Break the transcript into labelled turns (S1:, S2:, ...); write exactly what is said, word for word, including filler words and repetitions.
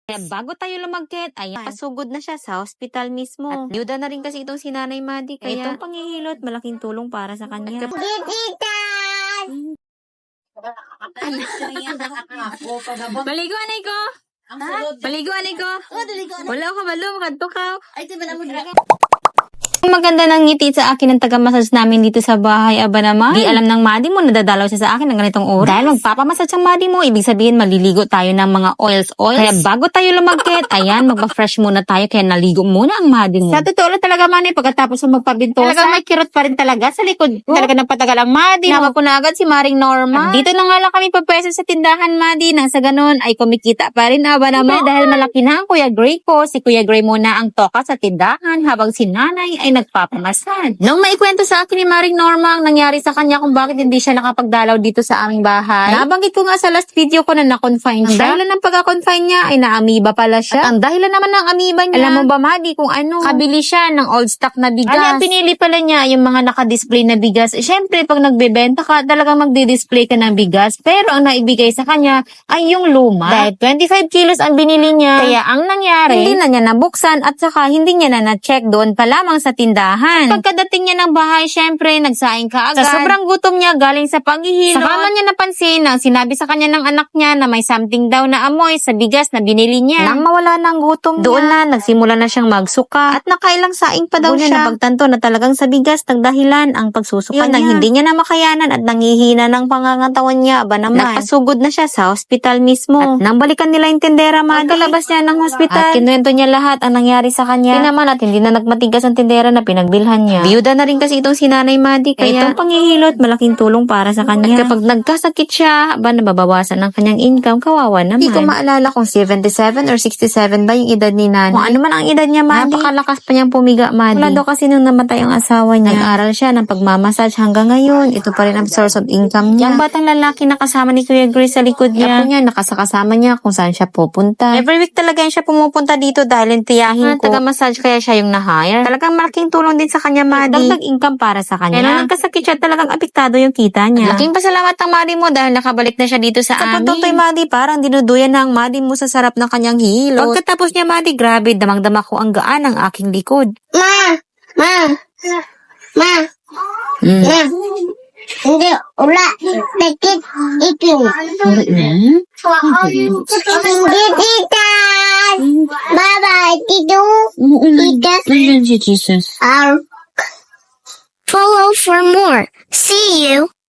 S1: Kaya bago tayo lumagkit, ayan, pasugod na siya sa hospital mismo. At byuda na rin kasi itong si Nanay Maddie, kaya itong panghihilot, malaking tulong para sa kanya. Baligo, anay ko! Baligo, anay ko! Wala ka balo, makadto ka.
S2: Ay, tiba na mo dira.
S1: Maganda ng ngiti sa akin ng taga-massage namin dito sa bahay, aba naman. Di alam ng Maddie mo, nadadalaw siya sa akin ng ganitong oras. Dahil magpapamassage ang Maddie mo, ibig sabihin maliligo tayo ng mga oils, oils. Kaya bago tayo lumagkit, ayan, magpa-fresh muna tayo, kaya naligo muna ang Maddie mo.
S2: Sa totoo lang talaga, Manny, pagkatapos ng magpabintosa, talagang may kirot pa rin talaga sa likod. Talaga ng patagal ang Maddie.
S1: Nawa ko na agad si Maring Norma.
S2: Dito na nga lang kami pagpeso sa tindahan, Maddie. Nang sa ganun ay kumikita pa rin, aba naman.
S1: Diba, dahil malaki na ang Kuya Gray ko, si Kuya Gray muna ang toka sa tindahan, habang si Nanay ay nagpapamasad.
S2: Nung maikwento sa akin ni Maring Norma ang nangyari sa kanya kung bakit hindi siya nakapagdalaw dito sa aming bahay, nabanggit ko nga sa last video ko na na-confine siya. Ang dahilan ng pagka-confine niya ay na-amoeba pala siya. At ang dahilan naman ng amoeba niya,
S1: Alam mo ba, Maddie, kung ano?
S2: kabili siya ng old stock na bigas.
S1: Ano,
S2: pinili pala niya yung mga naka-display na bigas. Eh, syempre, pag nagbebenta ka, talagang magdi-display ka ng bigas. Pero ang naibigay sa kanya ay yung luma. Dahil twenty-five kilos ang binili niya. Kaya ang nangyari,
S1: Hindi na niya nabuksan at saka hindi niya na na-check doon pa lamang sa tindahan.
S2: pagkadating niya ng bahay, syempre, nagsaing ka agad.
S1: Sa sobrang gutom niya galing sa paghihilot.
S2: Saka man niya napansin na sinabi sa kanya ng anak niya na may something daw na amoy sa bigas na binili niya.
S1: Nang mawala ng gutom doon na, nagsimula na siyang magsuka. At nakailang saing pa daw
S2: Doon niya
S1: siya. Napagtanto na talagang sa bigas nagdahilan ang pagsusuka
S2: Yun
S1: niya.
S2: na.
S1: Hindi niya na makayanan at nangihina ng pangangatawan niya. Aba naman. Nagpasugod na siya sa hospital mismo. At nang balikan nila yung tindera, Maddie,
S2: Pagkalabas niya ng hospital,
S1: at kinuwento niya lahat ang nangyari sa kanya. Hindi naman at hindi na nagmatigas ang tindera na pinagbilhan niya. Biyuda na rin kasi itong si Nanay Maddie, kaya itong panghihilot, malaking tulong para sa kanya. At kapag nagkasakit siya, ba nababawasan ang kanyang income, kawawa naman. Hindi ko maalala kung seventy-seven or sixty-seven ba yung edad ni Nanay. Kung ano man ang edad niya, Maddie. Napakalakas pa niyang pumiga, Maddie. Wala daw kasi nung namatay ang asawa niya. Nag-aral siya ng pagmamassage hanggang ngayon. Ito pa rin ang source of income niya. Yung batang lalaki na kasama ni Kuya Grace sa likod niya. Apo niya, nakasakasama niya kung saan siya pupunta. Every week talaga yan siya pumupunta dito dahil tiyahin ko. Taga-massage kaya siya yung na-hire. Talagang malaking tulong din sa kanya, Maddie. Dagdag income para sa kanya. Kaya nung nagkasakit siya, talagang apektado yung kita niya.
S2: laking pasalamat ang Maddie mo dahil nakabalik na siya dito sa,
S1: Sa
S2: amin.
S1: pagtutoy, Maddie, parang dinuduyan na ang Maddie mo sa sarap ng kanyang hilot. Pagkatapos niya, Maddie, grabe, damang-dama ko ang gaan ng aking likod.
S3: Ma! Ma! Ma!
S1: Mm.
S3: Ma! Hindi, ula. Tekit, ikin. Hindi, tita. Bye-bye, tito. Tita.
S1: Jesus.
S3: I'll follow for more. See you.